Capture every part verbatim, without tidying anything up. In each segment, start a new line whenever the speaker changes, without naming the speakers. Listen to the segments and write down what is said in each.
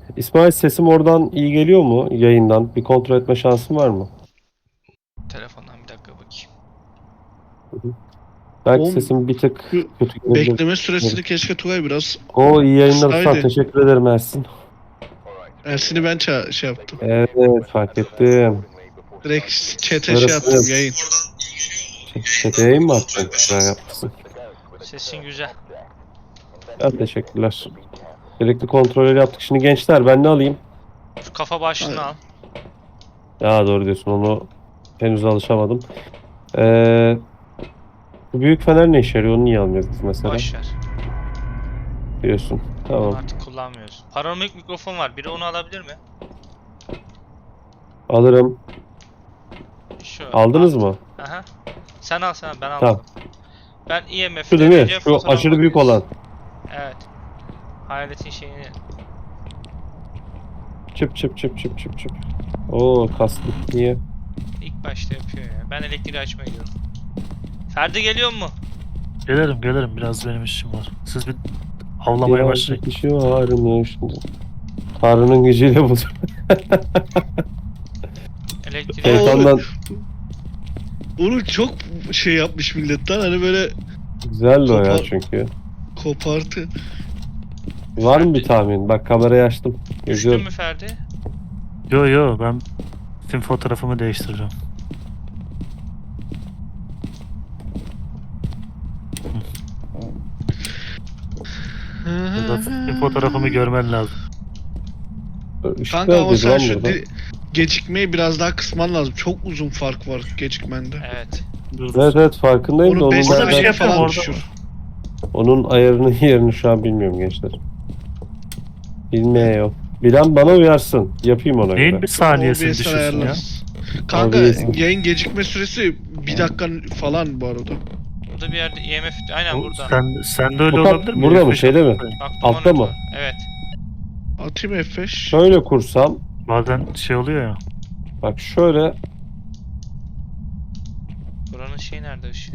İsmail, sesim oradan iyi geliyor mu yayından? Bir kontrol etme şansın var mı?
Telefondan bir dakika bakayım.
Belki
Oğlum,
sesim bir tık
şu
kötü gelebilir.
bekleme süresini keşke Tugay biraz
O iyi yayınlar Ustam.
kısaydı.
Teşekkür ederim Ersin.
Ersin'i ben ça- şey yaptım.
Evet, fark ettim.
Direkt chat'e
Neresi?
şey yaptım, yayın.
Çete yayın mı attın? Güzel yapmışsın.
Sesin güzel.
Ya, teşekkürler. Gerekli kontrolleri yaptık. Şimdi gençler, ben ne alayım?
Şu kafa başlığını al.
Ya doğru diyorsun, onu henüz alışamadım. Ee, bu büyük fener ne işe yarıyor? Onu niye almıyoruz biz mesela?
Boş ver.
Diyorsun. Tamam.
Onu artık kullanmıyoruz. Panoramik mikrofon var. Biri onu alabilir mi?
Alırım.
Şu.
Aldınız
al.
mı?
Aha. Sen al sen ben almadım.
Tamam.
Ben E M
Şu değil mi?
F'de
Şu aşırı büyük olan.
Evet. Hayaletin şeyini.
Çıp çıp çıp çıp çıp çıp. Oo, kastı. Niye?
İlk başta yapıyor ya. Ben elektriği açmaya gidiyorum. Ferdi geliyor mu?
Gelirim gelirim, biraz benim işim var. Siz bir avlamaya başlayın.
Bir kişi varmış. Tanrı'nın gücüyle bulur.
Elektriği
Şey-
Şeytandan
Onu çok şey yapmış milletten, hani böyle
güzeldi o ya
Kopar-
çünkü.
kopartı.
Var mı bir tahmin? Bak, kamerayı açtım.
düştü
Geziyorum.
mü Ferdi?
Yo yo, ben tüm fotoğrafımı değiştireceğim. Burada tüm fotoğrafımı görmen lazım.
Işık
Kanka ama
neredeydi
sen
lan
şu
burada?
di- gecikmeyi biraz daha kısman lazım. Çok uzun fark var gecikmende.
Evet.
Dur, dur.
Evet evet, farkındayım da
Onu
onun,
beş
Orada bir şey
nereden-
yapıyorum
falan
orada.
düşür.
onun ayarını yerini şu an bilmiyorum gençler. Bilmiyorum. Bilen bana uyarsın. Yapayım ona
Neyin
göre.
bir saniyesini
O B S'ten
düşürsün ya?
ayarlarız. Kanka
O B S'in.
yayın gecikme süresi bir dakika falan bu arada.
Burada bir yerde E M F aynen
Bu-
burada.
Sen, sen de öyle
Bu kat-
olabilir mi?
burada mı,
F beş
şeyde mi?
yapmayın.
Bak,
Altta
monitör.
mı?
Evet.
Atayım F beş.
Şöyle kursam.
Bazen şey oluyor ya.
Bak şöyle.
Buranın şeyi nerede ışığı?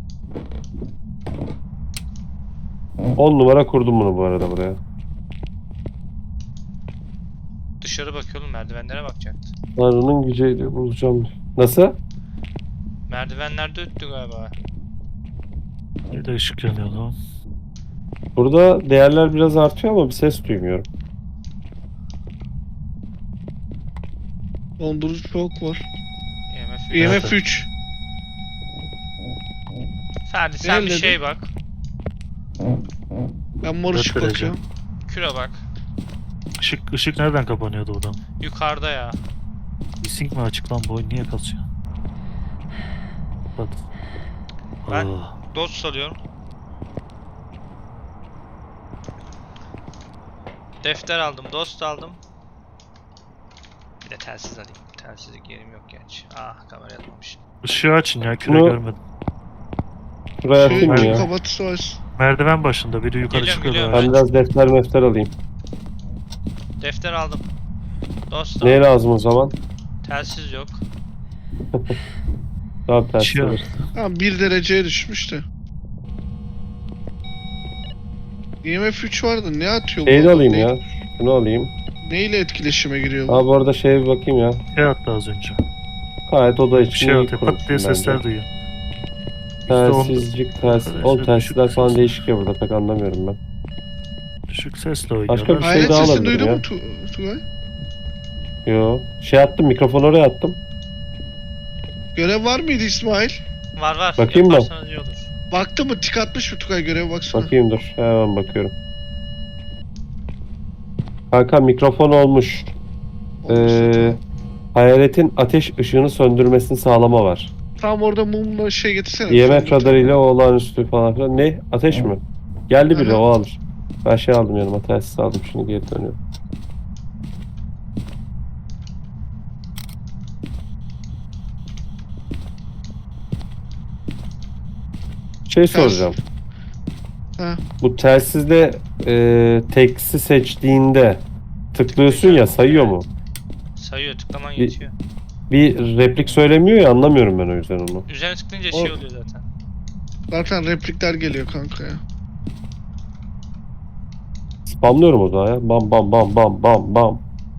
on numara kurdum bunu bu arada buraya.
Dışarı bakıyorum, merdivenlere bakacaktı.
Tanrı'nın gücüyle bulacağım. Nasıl?
Merdivenlerde öttü galiba.
Bir de ışık yanıyordu.
Burada değerler biraz artıyor ama bir ses duymuyorum.
Dondurucu çok var.
E M F.
E M
Evet.
F üç.
Ferdi sen bir
Nerededir?
şey bak.
Ben mor ışık
derece?
bakıyorum.
Küre bak.
Işık, ışık nereden kapanıyordu buradan?
Yukarıda ya.
Sync mi açık lan, bu oyun niye kasıyor? Bak.
Ben-
Aa,
Dost alıyorum. Defter aldım, dost aldım. Bir de telsiz alayım. Telsizlik yerim yok gerçi. Ah, kamera atmamış.
ışığı açın ya, küre
Bunu-
görmedim.
Şuraya
Şey,
atayım mı ya?
kapatısı var.
Merdiven başında biri yukarı
Geliyorum,
çıkıyor.
geliyorum.
böyle.
Ben biraz defter mefter alayım.
Defter aldım. Dost aldım.
Neye lazım o zaman?
Telsiz yok.
Daha ters
Işığı
alır.
Ha, bir dereceye düşmüş de. E M F üç vardı, ne atıyor bu
Şeyi de
adam?
alayım
Ne-
ya. Şunu alayım.
Neyle etkileşime giriyor bu?
Aa, bu arada şeye bir bakayım ya.
Şey attı az önce.
Gayet oda
Bir
için
şey
iyi
atıyor. Pat diye
kurmuşsun
sesler
bence.
duyuyor. yüzde on
Telsizcik, telsiz.
Arkadaşlar,
Oğlum telsizler
düşük
falan
ses.
değişik ya burada, pek anlamıyorum ben.
Düşük sesle
Başka
oynuyorlar.
bir şey
Hayret
daha
sesini
alabilirim
duydun
ya.
mu Tu- Tugay?
Yo. Şey attım, mikrofonu oraya attım.
Görev var mıydı İsmail?
Var var.
Bakayım mı?
Yaparsanız iyi olur.
Baktı mı? Tik atmış mı Tugay, göreve baksana.
Bakayım dur. Hemen bakıyorum. Kanka mikrofon olmuş. Ee, hayaletin ateş ışığını söndürmesini sağlama var.
Tam orada mumla şey getirsene.
E M F
Söndür.
radarıyla o olağanüstü falan filan. Ne? Ateş mi? Geldi biri,
Aha.
o alır. Ben şey aldım yanıma, telsiz aldım, şimdi geri dönüyorum. Şey soracağım.
Ha.
Bu telsizde e, teksi seçtiğinde tıklıyorsun ya, sayıyor mu?
Sayıyor, tıklaman
Bir-
yetiyor.
Bir replik söylemiyor ya, anlamıyorum ben o yüzden onu.
Üzerine tıklayınca
O-
şey oluyor zaten.
Zaten replikler geliyor kanka ya.
Spamlıyorum o zaman ya. Bam bam bam bam bam bam.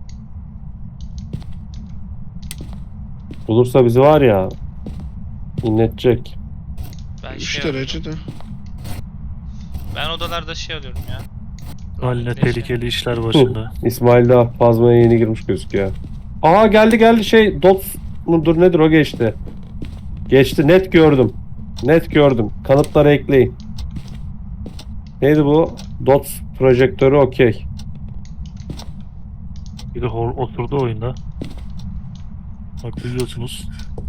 Bulursa bizi var ya. İnletecek.
Ben
üç
şey alıyorum.
derecede.
Ben odalarda şey alıyorum ya.
Haline
Rahmetli şey.
tehlikeli işler başında.
İsmail daha fazmaya yeni girmiş gözüküyor. Aa geldi geldi şey. Dots mudur nedir o geçti. Geçti net gördüm. Net gördüm. Kanıtları ekleyin. Neydi bu? Dots projektörü okey.
Biri hor- oturdu oyunda. Bak biliyorsunuz.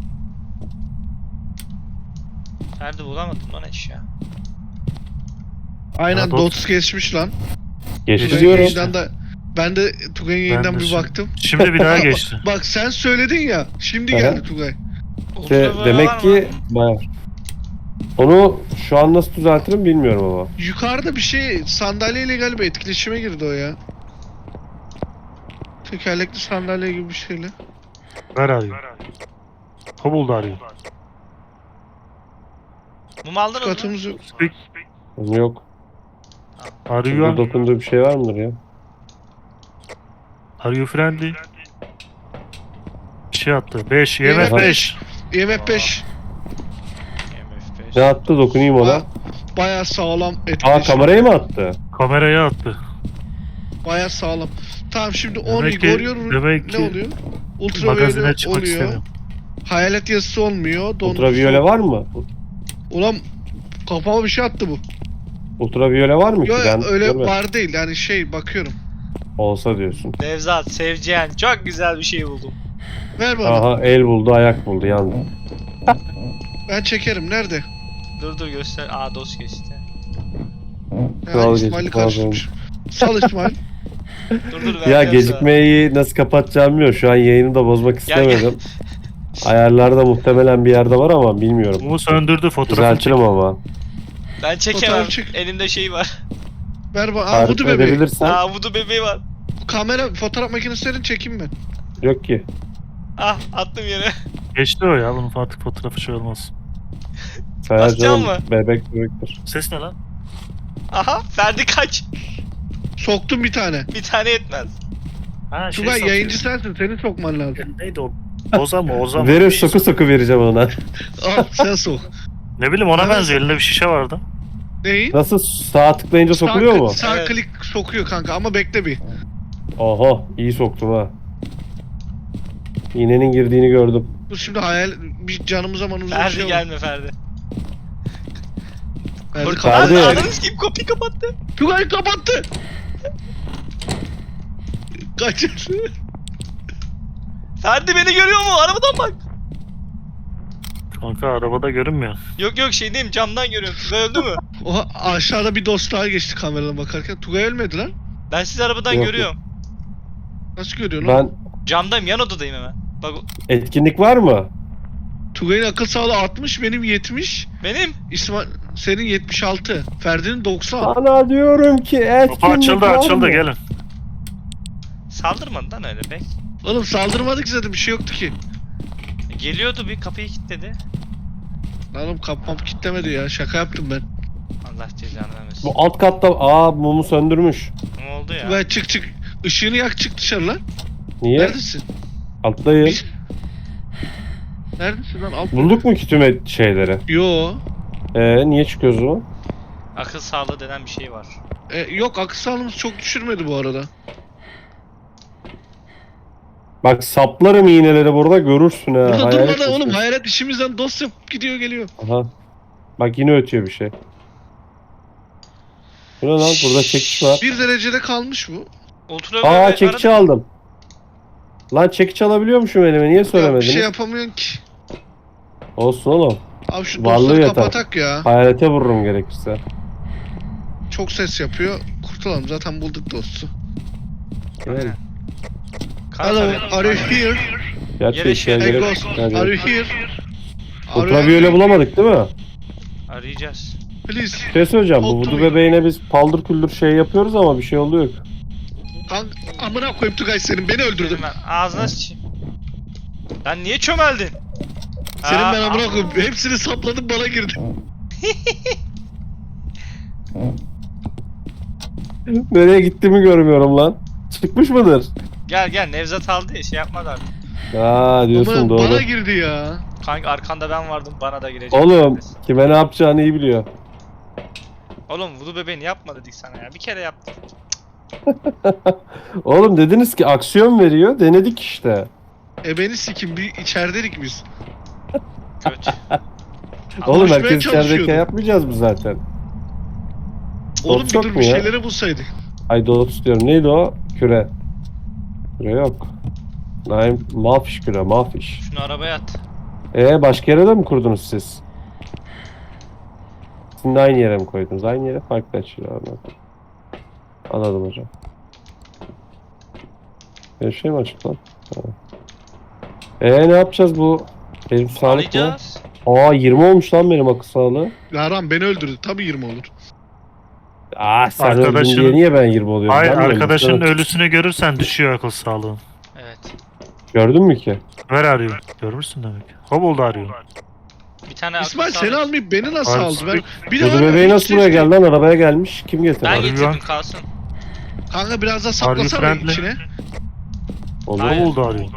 Nerede bulamadım lan eşya.
Aynen
Ha, Dots.
Dots geçmiş lan.
Geçti
Tugay'ın
diyorum.
yayından da ben de Tugay'ın yayından
de
bir
şimdi-
baktım.
Şimdi bir daha
Bak-
geçti.
Bak sen söyledin ya. Şimdi
Aha.
geldi Tugay.
İşte
Ultra var
demek
mı?
ki bayağı. Onu şu an nasıl düzeltirim bilmiyorum ama.
Yukarıda bir şey sandalyeyle galiba etkileşime girdi o ya. Tekerlekli sandalye gibi bir şeyle.
Ver arıyor. O buldu arıyor.
Mum aldınız mı?
Katımız yok.
Speak.
Onu yok. Burada
Arıyor.
dokunduğu bir şey var mıdır ya?
Are you friendly? Bir şey attı. beş. Y M
Evet,
F beş.
I M F beş.
M F beş.
Ne attı dokunayım ona.
Ba- Bayağı sağlam
Aa
etkileşim.
kamerayı mı attı?
Kameraya attı.
Bayağı sağlam. Tamam şimdi on
Demek ki,
Igor
demek
ne
ki
oluyor?
magazine
Ultraviyole
çıkmak
oluyor.
istemiyorum.
Hayalet yazısı olmuyor. Dondurucu-
Ultraviyole var mı?
Ulan kafama bir şey attı bu.
Ultraviyole var mı ki?
Yok
Ben
öyle
görmedim.
var değil yani şey bakıyorum.
Olsa diyorsun.
Nevzat, Sevciyen. Çok güzel bir şey buldum.
Ver bana.
Aha el buldu ayak buldu yandı.
Ben çekerim. Nerede?
Dur dur göster. Aa dos geçti.
Ya
Kral
İsmail'i
geçti,
karıştırmış. Sal İsmail.
Dur dur
Ya
vereceğim
gecikmeyi nasıl kapatacağım bilmiyorum. Şu an yayını da bozmak
Gel, gel.
istemedim. Ayarlarda muhtemelen bir yerde var ama bilmiyorum.
Mumu söndürdü fotoğrafını çek.
Düzeltirim ama.
sana. Ben çekemem.
Fotoğraf çek.
Elimde şey var.
Ver bana. Aa
Tarif
budu bebeği.
edebilirsen.
Aa vudu bebeği var.
Kamera fotoğraf makinesi çekeyim ben.
Yok ki.
Ah attım yere.
Geçti o ya. Bunun artık fotoğrafı şey olmaz.
Sayar
Basacağım
canım
mı?
bebek bebektir.
Ses ne lan?
Aha Ferdi kaç.
Soktum bir tane.
Bir tane yetmez.
Ha şey
Tugay
satıyor.
yayıncı sensin. Seni sokman lazım.
Neydi o? Ozan mı? Ozan mı?
Verir
Bir
soku
isim.
soku vereceğim ona.
Al sen sok.
Ne bileyim ona
Evet.
benziyor. Elinde bir şişe vardı.
Neyi?
Nasıl sağ tıklayınca sokuluyor
sağ,
mu?
Sağ
Evet.
klik sokuyor kanka ama bekle bir.
Oha iyi soktum ha. İğnenin girdiğini gördüm.
Bu şimdi hayal bir canımıza manımıza bir
Ferdi
şey oldu.
gelme Ferdi.
Ferdi
Kork-
kapattı.
Ferdi.
Ananı sikeyim kapıyı kapattı.
Tugay kapattı. Kaçır.
Ferdi beni görüyor mu? Arabadan bak.
Kanka arabada görünmüyor.
Yok yok şey diyeyim camdan görüyorum. Tugay öldü mü?
Oha aşağıda bir dost daha geçti kameradan bakarken. Tugay ölmedi lan.
Ben sizi arabadan
Yok,
görüyorum.
Nasıl görüyorsun oğlum?
Ben
Camdayım yan odadayım hemen. Bak o-
etkinlik var mı?
Tugay'ın akıl sağlığı altmış, benim yetmiş.
benim.
İsmail senin yetmiş altı. Ferdi'nin doksan.
Sana diyorum ki etkinlik
Kapı açıldı
var
açıldı
mı?
gelin.
Saldırmadı lan öyle be.
Oğlum saldırmadık zaten bir şey yoktu ki.
Geliyordu bir kapıyı kilitledi.
Lan oğlum kapmam kilitlemedi ya. Şaka yaptım ben.
Allah cezanı vermesin.
Bu alt katta aa mumu söndürmüş.
Ne oldu ya?
Tugay çık çık. Işığını yak çık dışarı lan.
Niye?
Neredesin?
Alttayım.
Biz- Neredesin lan? Alt...
Bulduk mu ki tüm et- şeyleri?
Yo.
Ee, niye çıkıyoruz o?
Akıl sağlığı denen bir şey var.
E, yok akıl sağlığımız çok düşürmedi bu arada.
Bak saplarım iğneleri burada görürsün ha.
Burada
hayalet
durmadan oğlum
misin?
hayalet işimizden dost yapıp gidiyor geliyor.
Aha. Bak yine ötüyor bir şey. Bu ne lan? Burada çekiç var.
Bir derecede kalmış bu.
Ultra
Aa
böyle
çekiç
aradım.
aldım. Lan çekiç alabiliyormuşum elime. Niye
Ya bir
söylemediniz?
şey yapamıyorsun ki.
Olsun oğlum.
Abi şu
Varlığı
dostları
yeter.
kapatak ya.
Hayalete vururum gerekirse.
Çok ses yapıyor. Kurtulalım zaten bulduk dostu.
Yani.
Hello,
Kanka
are you here?
Gerçi
Yere
işe
şey-
Hey
gerek.
ghost,
Yani.
are you here? Are you
Ultraviyole
here?
bulamadık değil mi?
arayacağız.
Please.
Bir şey söyleyeceğim. Bu vudu
Ultraviyole.
bebeğine biz paldır küldür şey yapıyoruz ama bir şey oluyor.
Kank, amına koyup Tugay senin beni öldürdün.
Dedim ben ağzına sıçayım. Lan niye çömeldin?
Senin
Aa,
ben amına
aa.
koyup hepsini sapladım bana girdi.
Nereye gittiğimi görmüyorum lan. Çıkmış mıdır?
Gel gel Nevzat aldı ya şey yapmadı artık.
Aa diyorsun
Ama
doğru.
bana girdi ya.
Kanka arkanda ben vardım bana da girecek.
Oğlum kime ne yapacağını iyi biliyor.
Oğlum vudu bebeğini yapma dedik sana ya. Bir kere yaptık.
Oğlum dediniz ki aksiyon veriyor. Denedik işte.
E beni sikim bir içerideydik biz.
Kötü.
Oğlum
Konuşmaya
herkes içerideyken
çalışıyordum.
yapmayacağız mı zaten?
Oğlum
Dots
bir
yok
dur
mu
bir
ya?
şeyleri bulsaydık.
Ay Dots diyorum. Neydi o? Küre. Küre yok. Naim, mafiş küre, mafiş.
Şunu arabaya at.
Ee başka yere de mi kurdunuz siz? Sizin de aynı yere mi koydunuz? Aynı yere farklı açıyor abi. Anladım hocam. Bir şey mi açık lan? Tamam. Ee ne yapacağız bu? Benim sağlık ne?
Arayacağız.
Aa yirmi olmuş lan benim akıl sağlığı.
Yaran beni öldürdü. Tabii yirmi olur.
Aa sen
Arkadaşın-
öldün diye niye ben yirmi oluyorum?
Hayır
Ben mi öldüm?
arkadaşının
Sen-
ölüsünü görürsen düşüyor akıl sağlığın.
Evet.
Gördün mü ki?
Ver arıyor. Görmüşsün demek. Hobolda arıyor.
Bir tane akıl
İsmail
sağlığı-
seni almayıp beni nasıl
Abi,
aldı? Ben, bir
Kuzu
var ya,
bebeği
hiç
nasıl buraya
ses
geldi lan? Arabaya gelmiş. Kim getirdi?
Ben
Arıyor
getirdim
lan.
kalsın.
Kanka biraz daha
Are you
saplasana
friendly?
içine.
Olur.
Hayır.
Hobolda arıyor.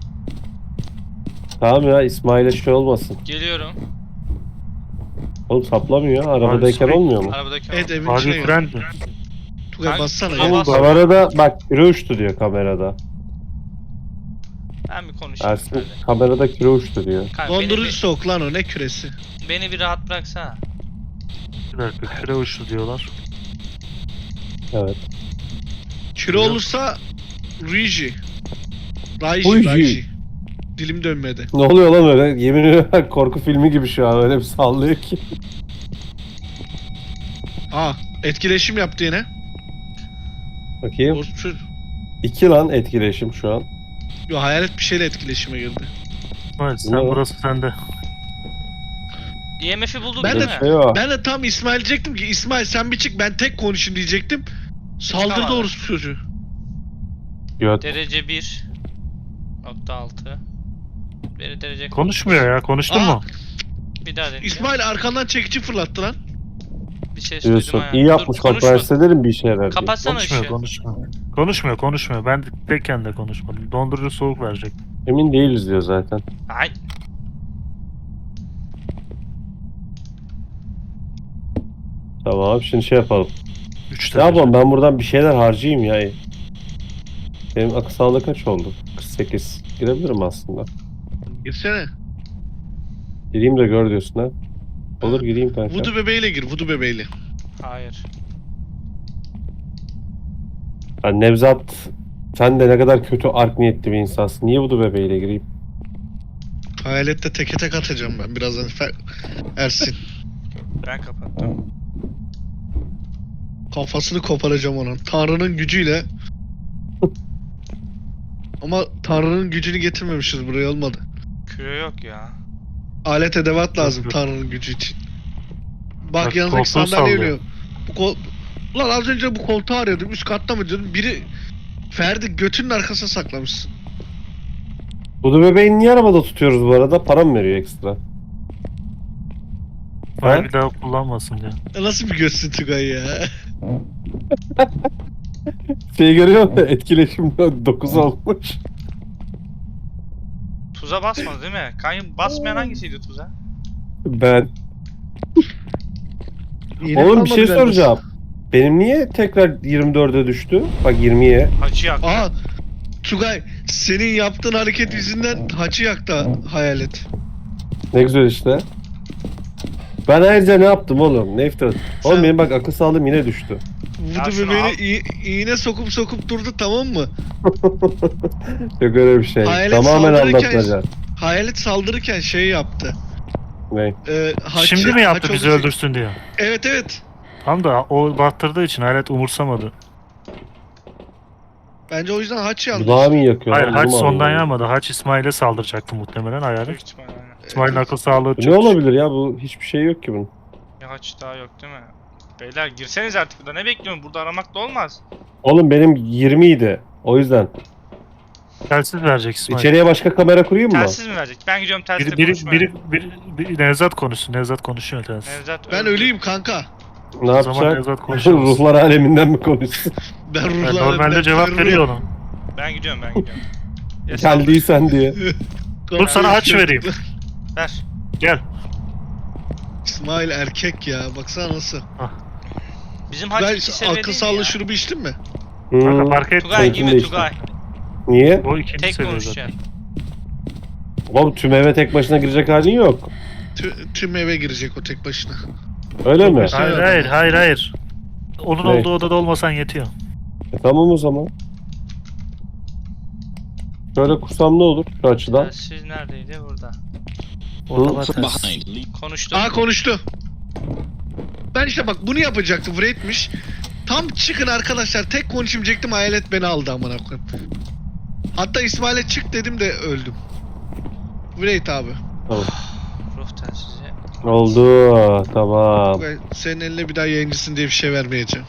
Tamam ya İsmail'e şey olmasın.
Geliyorum.
Oğlum saplamıyor. Arabadayken
Abi,
olmuyor mu?
Arabadaki
Evet evin
Are
içine
you
gel.
friendly?
Tugay
Kanka,
bassana
Tugay
ya.
bas.
Kamerada bak küre uçtu diyor kamerada.
Ben bir konuşayım.
Ersin
Hadi.
kamerada küre uçtu diyor.
Kanka, beni,
Dondurucu
bir,
soğuk lan o ne küresi.
beni bir rahat bıraksana.
Bir dakika küre uçtu diyorlar.
Evet.
Küre
Yok.
olursa Riji. Raiji,
Uji.
Raiji. Dilim dönmedi.
Ne oluyor lan öyle? Yemin ediyorum korku filmi gibi şu an öyle bir sallıyor ki.
Aa etkileşim yaptı yine.
Bakayım.
Boztur.
İki lan etkileşim şu an.
Yo hayalet bir şeyle etkileşime girdi.
Evet sen
Ne?
burası sende.
E M F'i bulduk
Ben
değil
de-
mi?
Şey o.
Ben de tam İsmail diyecektim ki İsmail sen bir çık ben tek konuşayım diyecektim. Saldırdı
Tamam.
orospu çocuğu.
Göt.
Derece bir nokta altı. Beri derece
Konuşmuyor ya konuştun
Aa,
mu?
Bir daha deneyeceğim.
İsmail arkandan çekici fırlattı lan.
Bir ses
Diyorsun.
duydum ha.
İyi yapmış
Dur,
bak
konuşma.
ben size derim bir işe yarar diye.
Kapatsana
Konuşmuyor
ışığı.
konuşmuyor. Konuşmuyor konuşmuyor. Ben de tekken de konuşmadım. Dondurucu soğuk verecek.
Emin değiliz diyor zaten.
Ay.
Tamam şimdi şey yapalım.
üç
Ne yapalım ben buradan bir şeyler harcayayım ya. Benim akıl sağlığı kaç oldu? kırk sekiz. Girebilirim aslında.
Girsene.
Gireyim de gör diyorsun ha. Olur gireyim kanka.
Vudu bebeğiyle gir, vudu bebeğiyle.
Hayır.
Ya Nevzat sen de ne kadar kötü art niyetli bir insansın. Niye bu bebeğiyle gireyim?
Hayalette teke tek atacağım ben birazdan. Fer- Ersin.
Ben kapattım.
Kafasını koparacağım onun. Tanrı'nın gücüyle. Ama Tanrı'nın gücünü getirmemişiz buraya olmadı.
Küre yok ya.
Alet edevat lazım
Yok, yok.
Tanrı'nın gücü için. Bak,
Bak,
yanındaki
koltuğu
sandalye
sallıyor.
ölüyor. Bu kol... Ulan az önce bu koltuğu arıyordum. Üst katta mı diyordum. Biri Ferdi götünün arkasına saklamışsın.
Bu bebeği niye arabada tutuyoruz bu arada? Para mı veriyor ekstra?
Bana
Ha?
bir daha kullanmasın diye.
Ya nasıl bir götsün Tugay ya?
Şey görüyor musun? Etkileşim dokuz olmuş.
Tuza basmadı değil mi? Kanka basmayan hangisiydi tuza?
Ben.
Yine
Oğlum bir şey
kalmadı bende.
soracağım. Benim niye tekrar yirmi dörde düştü? Bak yirmiye.
Hacı yak.
Aa Tugay senin yaptığın hareket yüzünden haçı yaktı hayalet.
Ne güzel işte. Ben ayrıca ne yaptım oğlum? Ne iftira? Oğlum
Sen-
benim bak akıl sağlığım yine düştü.
Ya
Vudu
şunu
bebeğini
al.
iğ- iğne sokup sokup durdu tamam mı?
Yok öyle bir şey.
Hayalet
Tamamen
saldırırken-
aldatmaca.
Hayalet saldırırken şey yaptı.
Ne?
Ee, haçı-
Şimdi mi yaptı
haç
bizi
olacak-
öldürsün diye?
Evet evet.
Tam da o battırdığı için hayalet umursamadı.
Bence o yüzden haç yandı.
Dudağı mı yakıyor?
Hayır
lan?
haç
Bunu mu
sondan
anlamadım?
yanmadı. Haç İsmail'e saldıracaktı muhtemelen hayalet.
Büyük ihtimalle aynen.
İsmail'in akıl sağlığı
Bu
çok.
ne olabilir ya? Bu hiçbir şey yok ki bunun.
Bir haç daha yok değil mi? Beyler girseniz artık burada ne bekliyorsun? Burada aramak da olmaz.
Oğlum benim yirmi idi. O yüzden.
Telsiz verecek İsmail.
İçeriye başka kamera kurayım mı?
Telsiz mi verecek? Ben gidiyorum telsizle
Biri, biri,
konuşmaya.
biri, biri, biri, Nevzat konuşsun. Nevzat konuşuyor telsiz.
Nevzat
Ben
öldü.
öleyim kanka.
Ne
O zaman
yapacak?
Nevzat konuşamaz.
Ruhlar aleminden mi konuşsun?
Ben
Yani
ruhlar
normalde cevap veriyor onu.
Ben gidiyorum ben gidiyorum. Ya sen-
Geldiysen diye.
Dur sana haç vereyim.
Ver.
Gel.
İsmail erkek ya. Baksana nasıl.
Bizim haç
Ben
iki seviye
akıl
değil mi
sağlığı
ya?
şurubu içtin mi?
Kanka
Hmm.
fark et.
Tugay
Zeytin
gibi
de işte.
Tugay.
Niye?
O ikinci
Tek
seviye zaten.
konuşacaksın.
Oğlum tüm eve tek başına girecek halin yok.
Tü- tüm eve girecek o tek başına.
Öyle mi?
başına-
Hayır
Evet.
hayır hayır hayır. Onun
Ne?
olduğu odada olmasan yetiyor.
E, tamam o zaman. Şöyle kursam ne olur şu açıdan?
Siz neredeydi? Burada.
Odalar
Hı.
ters.
Konuştu.
Aa konuştu. Ben işte bak bunu yapacaktım. Wraith'miş. Tam çıkın arkadaşlar. Tek konuşayım diyecektim. Hayalet beni aldı amına koyayım. Hatta İsmail'e çık dedim de öldüm. Wraith abi.
Tamam.
Ruh telsizi.
Oldu. Tamam.
Ben senin eline bir daha yayıncısın diye bir şey vermeyeceğim.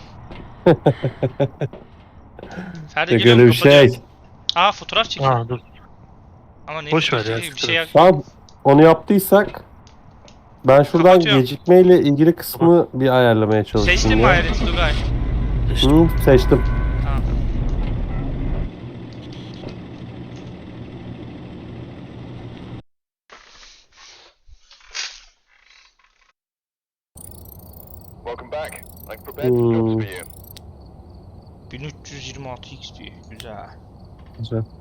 Ferdi
Tek
geliyor
öyle
mu?
bir şey.
Aa fotoğraf çekiyor.
Aa dur.
Ama ne
Boş ver
fotoğrafı
ya,
çekiyor? Bir
siktir
şey
et.
yap.
Tamam. Onu yaptıysak ben şuradan
Kapatıyorum.
gecikmeyle ilgili kısmı bir ayarlamaya çalıştım.
Seçtin mi
ya.
hayaleti Tugay?
Hı, seçtim.
Tamam.
Welcome back. I've prepared some jobs for you.
bin üç yüz yirmi altı X P. Güzel.
Güzel.